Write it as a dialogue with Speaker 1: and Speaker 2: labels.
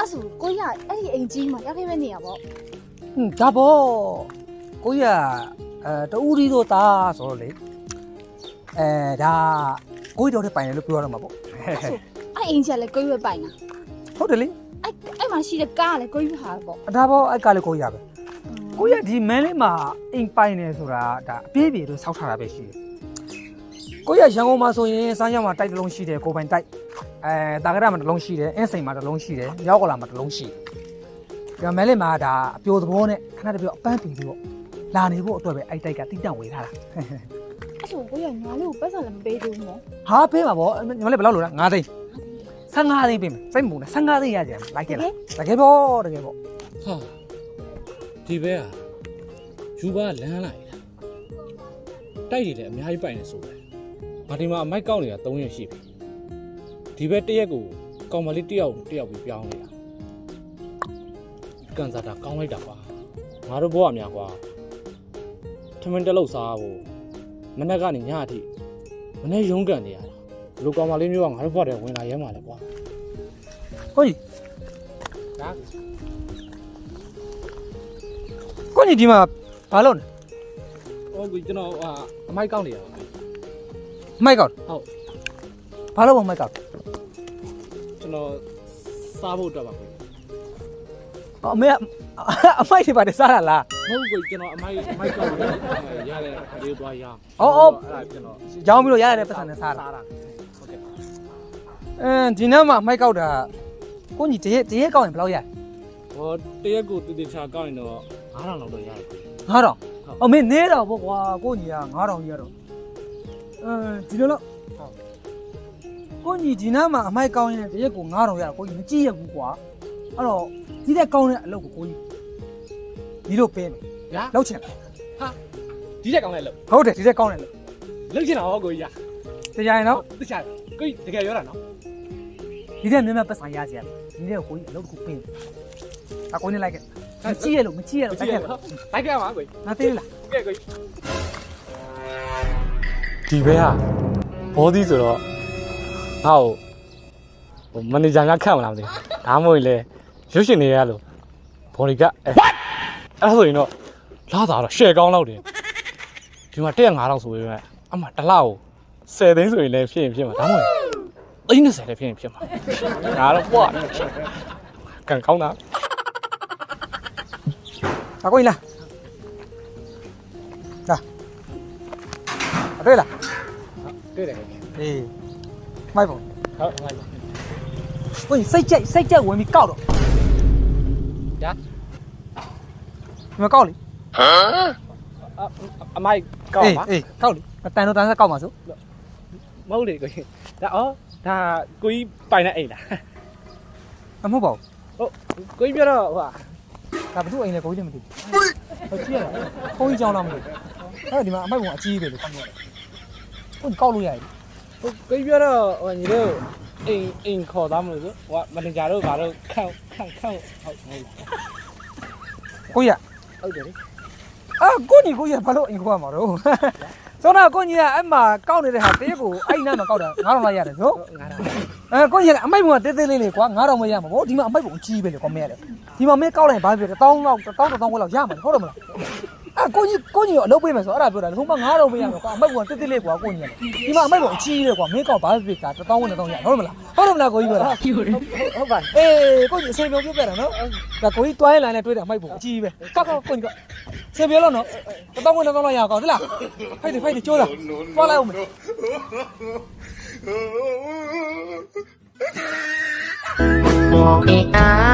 Speaker 1: အဲ့ဆိုကိုရအဲ့ဒီအိမ်ကြီးမှာရောက်ခဲ့မဲ့နေရပေါ့
Speaker 2: ဒါပေါ့ကိုကြီးကတူရီတို့သားဆိုတော့လေဒါကိုကြီးတော်တဲ့ပိုင်တယ်လို့ပြောရတော့မှာပေါ့
Speaker 1: အဲ့ဆိုအဲ့အိမ်ကြီးကလည်းကိုရပဲပိုင်တာ
Speaker 2: ဟုတ်တယ်လေ
Speaker 1: အဲ့မှာရှိတဲ့ကားကလည်းကိုရဟာပေါ့
Speaker 2: ဒါပေါ့အဲ့ကလည်းကိုကြီးရပဲကိုကြီးကဒီမန်းလေးမှာအိမ်ပိုင်နေဆိုတာဒါအပြည့်အပြည့်လို့စောက်ထားတာပဲရှိတယ်ကိုကြီးကရန်ကုန်မှာဆိုရင်စမ်းရောက်မှာတိုက်တစ်လုံးရှိတယ်ကိုပိုင်တိုက်တာကရမှာတစ်လုံးရှိတယ်အင်းစိန်မှာတစ်လုံးရှိတယ်ရောက်ကလာမှာတစ်လုံးရှိတယ်ဒီမန်းလေးမှာဒါအပြိုသဘောနဲ့ခဏတပြိုအပန်းပီပြီးတော့လာနေဖို့အတွက်ပဲအဲ့တိုက်ကတိတန့်ဝေးထားတာ
Speaker 1: အဲ့ဆိုကိုရညာလေးကိုပတ်စံလည်းမပေးသေးဘူးနော်
Speaker 2: ဟာပေးမှာပေါ့ညီမလေးဘယ်လောက်လို့လဲ9သိန်း15သိန်းပေးမယ်စိတ်မူနဲ့15သိန်းရကြတယ်လိုက်ခဲ့လားတကယ်ပေါ့တကယ်ပေါ့
Speaker 3: ဟာဒီဘဲอ่ะယူပါလမ်းလိုက်တာတိုက်ရည်လည်းအများကြီးပိုင်နေဆိုပဲငါဒီမှာအမိုက်ကောက်နေတာ3ရက်ရှိပြီဒီဘဲတစ်ရက်ကိုကောင်မလေးတစ်ယောက်ပြီးပြောင်းနေတာကန်စားတာကောင်းလိုက်တာကွာငါတို့ဘဝများကွာထမင်းတလုံးစားဖို့မနေ့ကနေညအထိမနေ့ရုံးကန်နေရတာဘလူကောင်မလေးမျိုးကငါတို့ဘဝတည်းဝင်လာရဲမှာလေကွာ
Speaker 2: ကိုကြီး
Speaker 3: ဒါ
Speaker 2: ကိုကြီးဒီမှာဘာလုပ်နေ
Speaker 3: ဟိုကျွန်တော်အမိုက်ကောက်နေရပါ
Speaker 2: မိုက်ကောက်
Speaker 3: ဟုတ်
Speaker 2: ဘာလို့မိုက်ကောက်
Speaker 3: ကျွန်တော်စားဖို့အတွက်ပါကွာ
Speaker 2: အမေအမိုက်တွေပါတယ်စားရလား
Speaker 3: မဟုတ်ဘူးကျွန်တော်အမိုက်ကောက်ရတယ်လေးသွားရ
Speaker 2: အော်
Speaker 3: အဲ့ဒါကျွန်တော်
Speaker 2: ရောင်းပြီးတော့ရရတဲ့ပတ်စံနဲ့စားတာ
Speaker 3: ဟုတ်ကဲ့
Speaker 2: ဒီနေ့မှာမိုက်ကောက်တာကိုကြီးတရက်ကောက်ရင်ဘယ်လောက်ရ
Speaker 3: ဟောတရက်ကိုတည်ချာကောက်ရင်တော့9000လောက်တော့ရတယ်
Speaker 2: 9000အမေနေတော့ပေါ့ကွာကိုကြီးက9000ကြီးရတော့ဒီလိုလို့ကိုကြီးဒီနေ့မှာအမိုက်ကောက်ရင်တရက်ကို9000ရတော့ကိုကြီးမကြည့်ရဘူးကွာအဲ့တော့ဒီတဲ့ကောင်းတဲ့အလုပ်ကိုကိုကြီးဒီလိုပေးမယ်
Speaker 3: ညာ
Speaker 2: လောက်ချင်
Speaker 3: ဟာဒီတက်ကောင်းလဲလို့
Speaker 2: ဟုတ်တယ်ဒီတဲ့ကောင်းတယ်လို့
Speaker 3: လုတ်ချင်တာဟောကိုကြီး
Speaker 2: တရားရင်တော့
Speaker 3: တခြားကိုကြီးတကယ်ပြောတာနော်
Speaker 2: ဒီတဲ့မြန်မြန်ပတ်စံရစီရတယ်ဒီတဲ့ကိုကြီးအလုပ်တစ်ခုပေးတယ်အကိုနေလိုက်ခဲ့မကြည့်ရလို့တိုက်ခဲ့လို့
Speaker 3: လိုက်ခဲ့ပါကိုကြီး
Speaker 2: ငါသေးလား
Speaker 3: ကဲကိုကြီးဒီဘဲဟာဘောဒီဆိုတော့ငါ့ကိုမန်နေဂျာကခန့်မလားမသိဘူးဒါမှမဟုတ်လေရုပ်ရှင်တွေရလို့ဘော်ဒီကအဲ့ဒါဆိုရင်တော့လာတာတော့ရှယ်ကောင်းလောက်တယ်ဒီမှာ15000ဆိုပေမဲ့အမှတစ်လောက်10သိန်းဆိုရင်လည်းဖြစ်မှာဒါမှမဟုတ်30လည်းဖြစ်မှာဒါတော့ပွားကန်ကောင်းတာ
Speaker 2: အကိုကြီးလားတွေ့လား
Speaker 3: တွေ့တယ်
Speaker 2: အေးမိုက်ပေါ့
Speaker 3: ဟုတ်ဟုတ်
Speaker 2: ကိုကြီးစိတ်ကြက်ဝင်ပြီးကောက်တော့
Speaker 3: ညာ
Speaker 2: ဒီမှာကောက်လေ
Speaker 3: အမိုက်ကောက်ပါ
Speaker 2: အေးကောက်လေတန်တော့တန်းဆက်ကောက်ပါစို့
Speaker 3: မဟုတ်လေကိုကြီးဒါဒါကိုကြီးပိုင်တဲ့အိမ်လား
Speaker 2: မဟုတ်ပါဘူး
Speaker 3: ဟုတ်ကိုကြီးပြောတော့ဟို
Speaker 2: ဒါဘသူ့အိမ်လဲကိုကြီးလည်းမသိဘူးဟုတ်ကြည့်ရတာကိုကြီးကြောင်းလားမသိဘူးအဲ့ဒီမှာအမိုက်ကအကြီးပဲလို့ကောက်ရတယ်ကိုကြီးကောက်လို့ရတယ်
Speaker 3: ကိုကြီးပြောတော့ဟိုညီတို့အိမ်ခေါ်သားမလို့ဆိုဟိုမန်နေဂျာတို့ဘာလို့ခန့်ဟုတ်ဟုတ်
Speaker 2: ကိုကြီး
Speaker 3: ဟုတ်တယ်လေ
Speaker 2: ကိုကြီးဘာလို့အိမ်ခေါ်ရမှာတော့စောနာကိုကြီးကအဲ့မှာကောက်နေတဲ့ဟာတရက်ကိုအဲ့နားမှာကောက်တာ9000လောက်ရတယ်ဆို
Speaker 3: 9000
Speaker 2: ကိုကြီးကအမိုက်ဘုံကတေးသေးလေးကွာ9000မရမှာဗောဒီမှာအမိုက်ဘုံအကြီးပဲလေကွာမရလေဒီမှာမင်းကောက်လိုက်ဘာဖြစ်လဲ1000လောက်1000ခွဲလောက်ရမှာဟုတ်တယ်မလားကိုကြီးကိုအလုပ်ပေးမယ်ဆိုအဲ့ဒါပြောတာဟိုမှာ9000မရမှာကွာအမိုက်ဘုံကတေးသေးလေးကွာကိုကြီးဒီမှာအမိုက်ဘုံအကြီးလေကွာမင်းကောက်ဘာဖြစ်တာ1000ခွဲ1000ရဟုတ်တယ်မလားကိုကြီးပြောတာ
Speaker 3: ဟုတ်ပါ
Speaker 2: အေးကိုကြီးအစင်ပြောပြတာနော်ဒါကိုကြီးတွိုင်းလိုင်းနဲ့တွေးတယ်အမိုက်ဘုံအကြီးပဲကောက်ကိုကြီးစင်ပြောလို့နော်1000ခွဲ1000လောက်ရအောင်ကောက်ဟုတ်လားဖိုက်တယ်ကျိုးလားသွားလိုက်အောင်မယ်
Speaker 4: Walking